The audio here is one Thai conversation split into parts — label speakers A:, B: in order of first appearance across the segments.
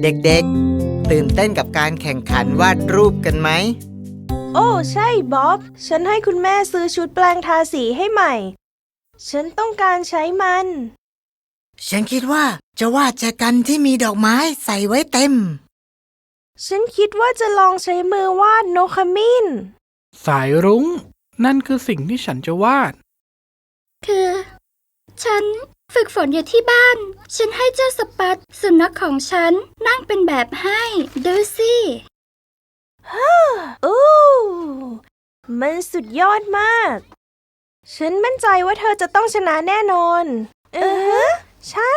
A: เด็กๆตื่นเต้นกับการแข่งขันวาดรูปกันไหม
B: โอ้ใช่บ๊อบฉันให้คุณแม่ซื้อชุดแปลงทาสีให้ใหม่ฉันต้องการใช้มัน
A: ฉันคิดว่าจะวาดแจกันที่มีดอกไม้ใส่ไว้เต็ม
B: ฉันคิดว่าจะลองใช้มือวาดนกขมิ้น
C: สายรุ้งนั่นคือสิ่งที่ฉันจะวาด
D: คือฉันฝึกฝนอยู่ที่บ้านฉันให้เจ้าสปัตสุนัขของฉันนั่งเป็นแบบให้ดูสิ
B: อู้มันสุดยอดมากฉันมั่นใจว่าเธอจะต้องชนะแน่นอนใช่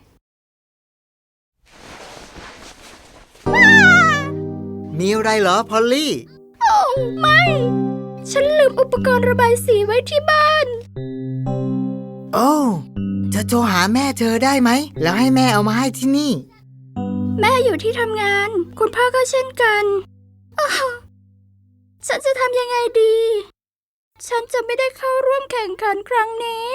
A: มีอะไรเหรอพอลลี่
D: โอ้ไม่ฉันลืมอุปกรณ์ระบายสีไว้ที่บ้าน
A: โอ้จะโทรหาแม่เธอได้ไหมแล้วให้แม่เอามาให้ที่นี่
D: แม่อยู่ที่ทำงานคุณพ่อก็เช่นกันฉันจะทำยังไงดีฉันจะไม่ได้เข้าร่วมแข่งขันครั้งนี้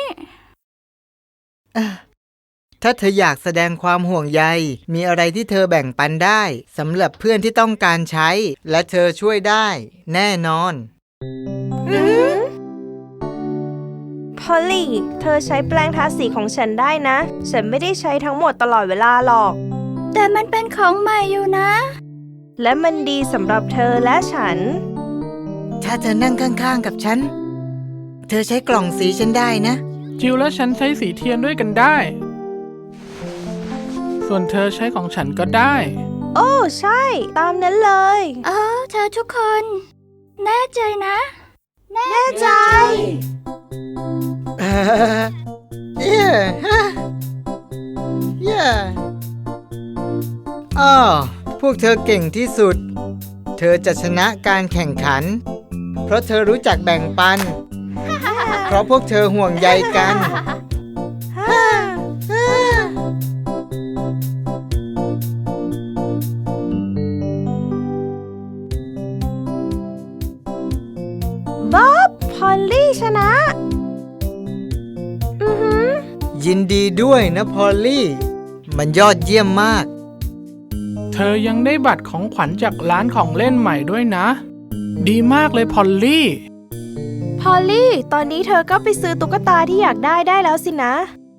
A: ถ้าเธออยากแสดงความห่วงใยมีอะไรที่เธอแบ่งปันได้สำหรับเพื่อนที่ต้องการใช้และเธอช่วยได้แน่นอน
B: พอลลี่เธอใช้แปรงทาสีของฉันได้นะฉันไม่ได้ใช้ทั้งหมดตลอดเวลาหรอก
D: แต่มันเป็นของใหม่อยู่นะ
B: และมันดีสำหรับเธอและฉัน
A: ถ้าเธอนั่งข้างๆกับฉันเธอใช้กล่องสีฉันได้นะ
C: จิวและฉันใช้สีเทียนด้วยกันได้ส่วนเธอใช้ของฉันก็ได้
B: โอ้ใช่ตามนั้นเลย
D: เธอทุกคนแน่ใจนะ
B: แน่ใจ
A: พวกเธอเก่งที่สุดเธอจะชนะการแข่งขันเพราะเธอรู้จักแบ่งปันเพราะพวกเธอห่วงใยกัน
B: บ๊อบพอลลี่ชนะ
A: ยินดีด้วยนะพอลลี่มันยอดเยี่ยมมาก
C: เธอยังได้บัตรของขวัญจากร้านของเล่นใหม่ด้วยนะดีมากเลยพอลลี่
B: พอลลี่ตอนนี้เธอก็ไปซื้อตุ๊กตาที่อยากได้แล้วสินะ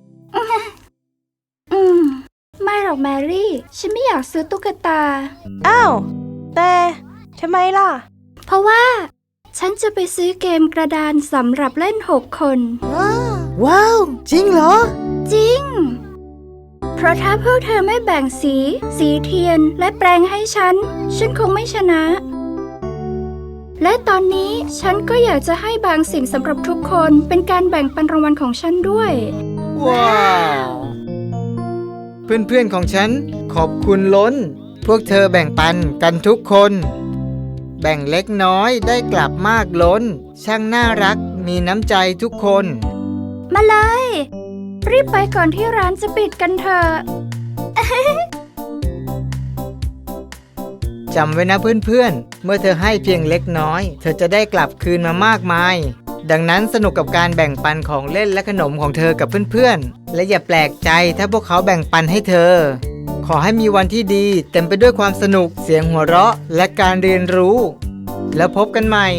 D: ไม่หรอกแมรี่ฉันไม่อยากซื้อตุ๊กตา
B: อ้าวแต่ทำไมล่ะ
D: เพราะว่าฉันจะไปซื้อเกมกระดานสำหรับเล่น6 คน
A: ว้าวจริงเหรอ
D: จริงเพราะถ้าพวกเธอไม่แบ่งสีเทียนและแปรงให้ฉันคงไม่ชนะและตอนนี้ฉันก็อยากจะให้บางสิ่งสำหรับทุกคนเป็นการแบ่งปันรางวัลของฉันด้วย
A: ว้าวเพื่อนๆของฉันขอบคุณล้นพวกเธอแบ่งปันกันทุกคนแบ่งเล็กน้อยได้กลับมากล้นช่างน่ารักมีน้ำใจทุกคน
D: มาเลยรีบไปก่อนที่ร้านจะปิดกันเถอะ
A: จำไว้นะเพื่อนๆเมื่อเธอให้เพียงเล็กน้อยเธอจะได้กลับคืนมามากมายดังนั้นสนุกกับการแบ่งปันของเล่นและขนมของเธอกับเพื่อนๆและอย่าแปลกใจถ้าพวกเขาแบ่งปันให้เธอขอให้มีวันที่ดีเต็มไปด้วยความสนุกเสียงหัวเราะและการเรียนรู้แล้วพบกันใหม่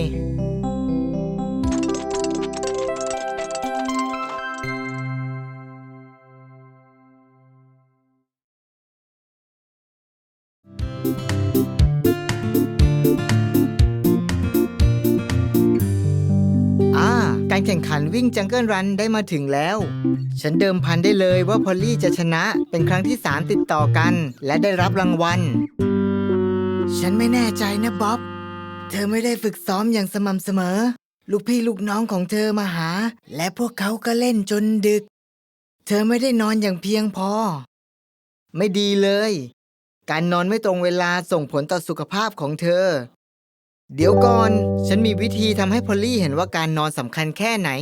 A: การแข่งขันวิ่งจังเกิลรันได้มาถึงแล้วฉันเดิมพันได้เลยว่าพอลลี่จะชนะเป็นครั้งที่3ติดต่อกันและได้รับรางวัลฉันไม่แน่ใจนะบ๊อบเธอไม่ได้ฝึกซ้อมอย่างสม่ำเสมอลูกพี่ลูกน้องของเธอมาหาและพวกเขาก็เล่นจนดึกเธอไม่ได้นอนอย่างเพียงพอไม่ดีเลยการนอนไม่ตรงเวลาส่งผลต่อสุขภาพของเธอเดี๋ยวก่อนฉันมีวิธีทำให้พอลลี่เห็นว่าการนอนสำคัญแค่ไหน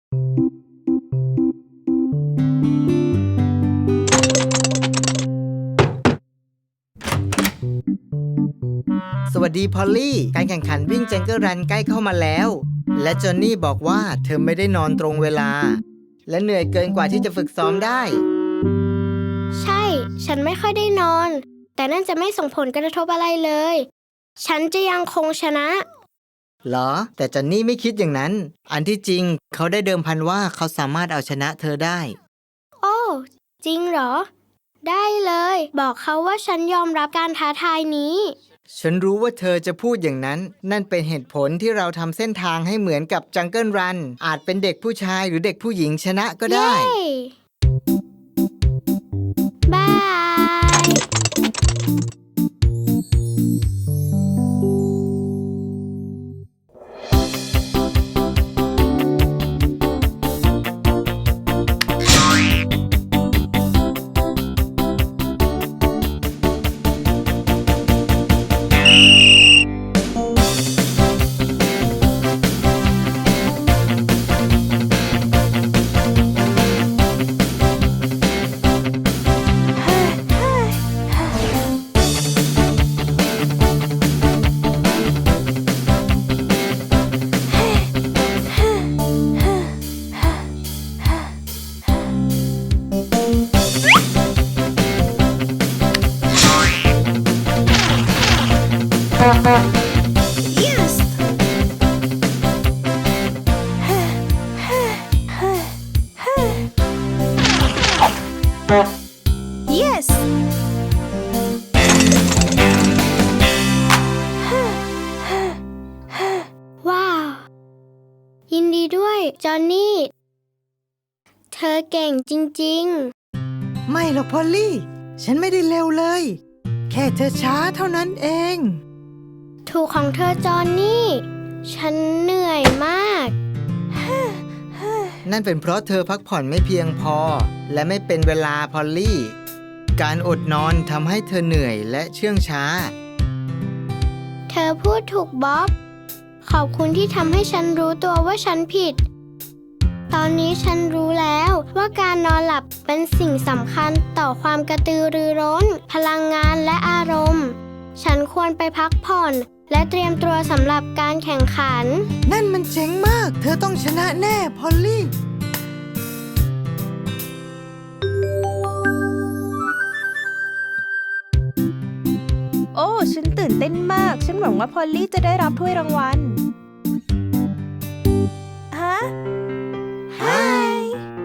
A: สวัสดีพอลลี่การแข่งขันวิ่งจังเกิลรันใกล้เข้ามาแล้วและจอนนี่บอกว่าเธอไม่ได้นอนตรงเวลาและเหนื่อยเกินกว่าที่จะฝึกซ้อมได้
E: ใช่ฉันไม่ค่อยได้นอนแต่นั่นจะไม่ส่งผลกระทบอะไรเลย ฉันจะยังคงชนะ
A: เหรอ แต่จอนนี่ไม่คิดอย่างนั้น อันที่จริงเขาได้เดิมพันว่าเขาสามารถเอาชนะเธอได้
E: โอ้ จริงเหรอ ได้เลย บอกเขาว่าฉันยอมรับการท้าทายนี้
A: ฉันรู้ว่าเธอจะพูดอย่างนั้น นั่นเป็นเหตุผลที่เราทำเส้นทางให้เหมือนกับจังเกิลรัน อาจเป็นเด็กผู้ชายหรือเด็กผู้หญิงชนะก็ได้
E: เย้บาย
B: yes
E: ว้าว ยินดีด้วย จอห์นนี่ เธอเก่งจริง
A: ไม่หรอกพอลลี่ ฉันไม่ได้เร็วเลย แค่เธอช้าเท่านั้นเอง
E: ๆ ถูกของเธอจอห์นนี่ ฉันเหนื่อยมาก
A: นั่นเป็นเพราะเธอพักผ่อนไม่เพียงพอ และไม่เป็นเวลาพอลลี่ การอดนอนทำให้เธอเหนื่อยและเชื่องช้า
E: เธอพูดถูกบ๊อบ ขอบคุณที่ทำให้ฉันรู้ตัวว่าฉันผิด ตอนนี้ฉันรู้แล้วว่าการนอนหลับเป็นสิ่งสำคัญต่อความกระตือรือร้น พลังงานและอารมณ์ ฉันควรไปพักผ่อน และเตรียมตัวสำหรับการแข่งขัน
A: นั่นมันเจ๋งมาก เธอต้องชนะแน่พอลลี่
B: โอ้ ฉันตื่นเต้นมาก ฉันหวังว่าพอลลี่จะได้รับถ้วยรางวัล ฮะ Hi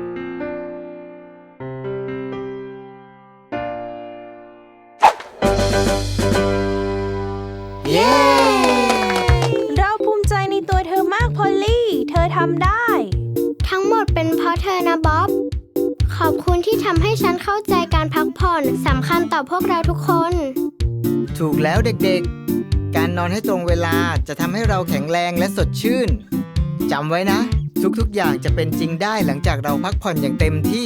A: เย้
B: เราภูมิใจในตัวเธอมากพอลลี่ เธอทำได้
E: ทั้งหมดเป็นเพราะเธอนะบ๊อบ ขอบคุณที่ทำให้ฉันเข้าใจการพักผ่อนสำคัญต่อพวกเราทุกคน
A: ถูกแล้วเด็กๆ การนอนให้ตรงเวลาจะทำให้เราแข็งแรงและสดชื่น จำไว้นะ ทุกๆอย่างจะเป็นจริงได้หลังจากเราพักผ่อนอย่างเต็มที่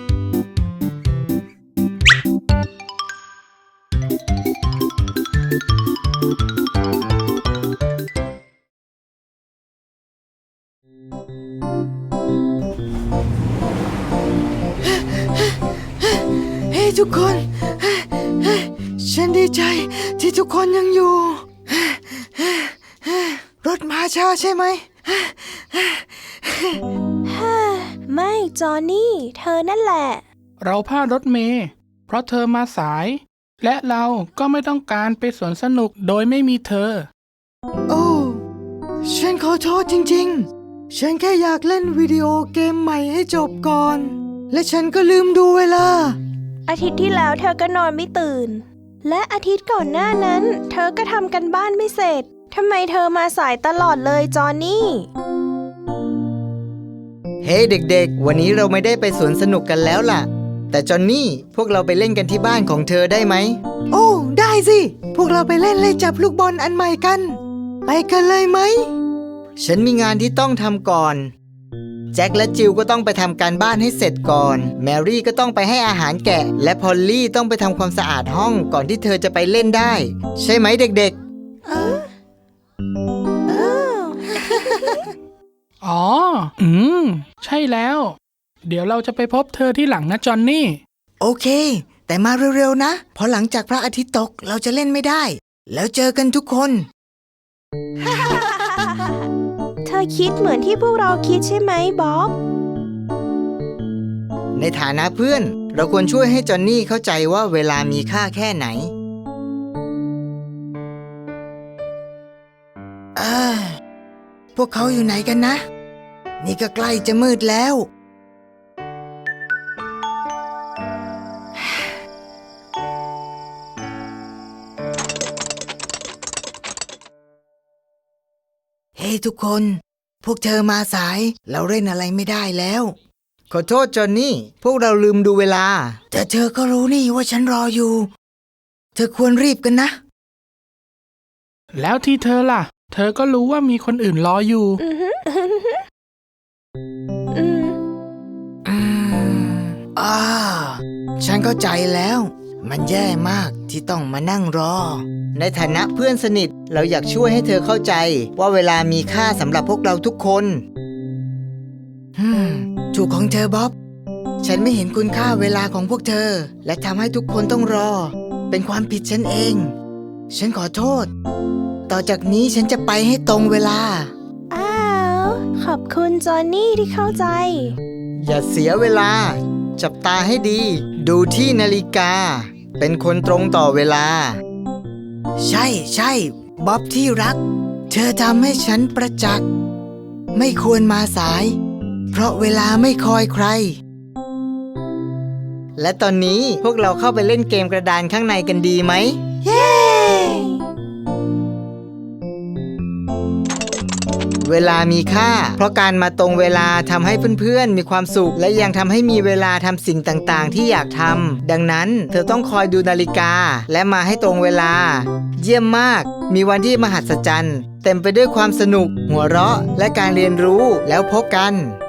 A: เฮ้ยทุกคน ฉันดีใจที่ทุกคนยังอยู่ รถมาช้าใช่ไหม
B: ไม่จอห์นนี่ เธอนั่นแหละ
C: เราพลาดรถเมล์เพราะเธอมาสาย และเราก็ไม่ต้องการไปสวนสนุกโดยไม่มีเธอ
A: โอ้ ฉันขอโทษจริงๆ ฉันแค่อยากเล่นวิดีโอเกมใหม่ให้จบก่อน และฉันก็ลืมดูเวลา
B: อาทิตย์ที่แล้วเธอก็นอนไม่ตื่น และอาทิตย์ก่อนหน้านั้น เธอก็ทำกันบ้านไม่เสร็จ ทำไมเธอมาสายตลอดเลยจอห์นนี่
A: เฮ้เด็กๆ วันนี้เราไม่ได้ไปสวนสนุกกันแล้วล่ะ แต่จอนนี่พวกเราไปเล่นกันที่บ้านของเธอได้ไหม โอ้ ได้สิ พวกเราไปเล่นเลยจับลูกบอลอันใหม่กัน ไปกันเลยไหม ฉันมีงานที่ต้องทำก่อน แจ็คและจิลก็ต้องไปทำการบ้านให้เสร็จก่อน แมรี่ก็ต้องไปให้อาหารแกะ และพอลลี่ต้องไปทำความสะอาดห้องก่อนที่เธอจะไปเล่นได้ ใช่ไหมเด็กๆ
C: อ๋อ ใช่แล้ว เดี๋ยวเราจะไปพบเธอที่หลังนะจอนนี่
A: โอเค แต่มาเร็วๆนะ เพราะหลังจากพระอาทิตย์ตกเราจะเล่นไม่ได้ แล้วเจอกันทุกคน
B: เธอคิดเหมือนที่พวกเราคิดใช่ไหมบ๊อบ
A: ในฐานะเพื่อน เราควรช่วยให้จอนนี่เข้าใจว่าเวลามีค่าแค่ไหนพวกเขาอยู่ไหนกันนะ นี่ก็ใกล้จะมืดแล้ว เฮ้ ทุกคน พวกเธอมาสาย เราเล่นอะไรไม่ได้แล้ว ขอโทษจอนนี่ พวกเราลืมดูเวลา แต่เธอก็รู้นี่ว่าฉันรออยู่ เธอควรรีบกันนะ
C: แล้วที่เธอล่ะ เธอก็รู้ว่ามีคนอื่นรออยู่
B: อือฮึอืม
A: ฉันเข้าใจแล้ว มันแย่มากที่ต้องมานั่งรอ ในฐานะเพื่อนสนิทเราอยากช่วยให้เธอเข้าใจว่าเวลามีค่าสำหรับพวกเราทุกคนถูกของเธอบ๊อบ ฉันไม่เห็นคุณค่าเวลาของพวกเธอ และทำให้ทุกคนต้องรอ เป็นความผิดฉันเอง ฉันขอโทษ ต่อจากนี้ฉันจะไปให้ตรงเวลา
B: อ้าว ขอบคุณจอนนี่ที่เข้าใจ
A: อย่าเสียเวลา จับตาให้ดี ดูที่นาฬิกา เป็นคนตรงต่อเวลา ใช่บ๊อบที่รัก เธอทำให้ฉันประจักษ์ไม่ควรมาสาย เพราะเวลาไม่คอยใคร และตอนนี้พวกเราเข้าไปเล่นเกมกระดานข้างในกันดีไหม
B: เย้
A: เวลามีค่า เพราะการมาตรงเวลาทำให้เพื่อนๆมีความสุข และยังทำให้มีเวลาทำสิ่งต่างๆที่อยากทำดังนั้นเธอต้องคอยดูนาฬิกาและมาให้ตรงเวลา เยี่ยมมาก มีวันที่มหัศจรรย์เต็มไปด้วยความสนุก หัวเราะและการเรียนรู้แล้วพบกัน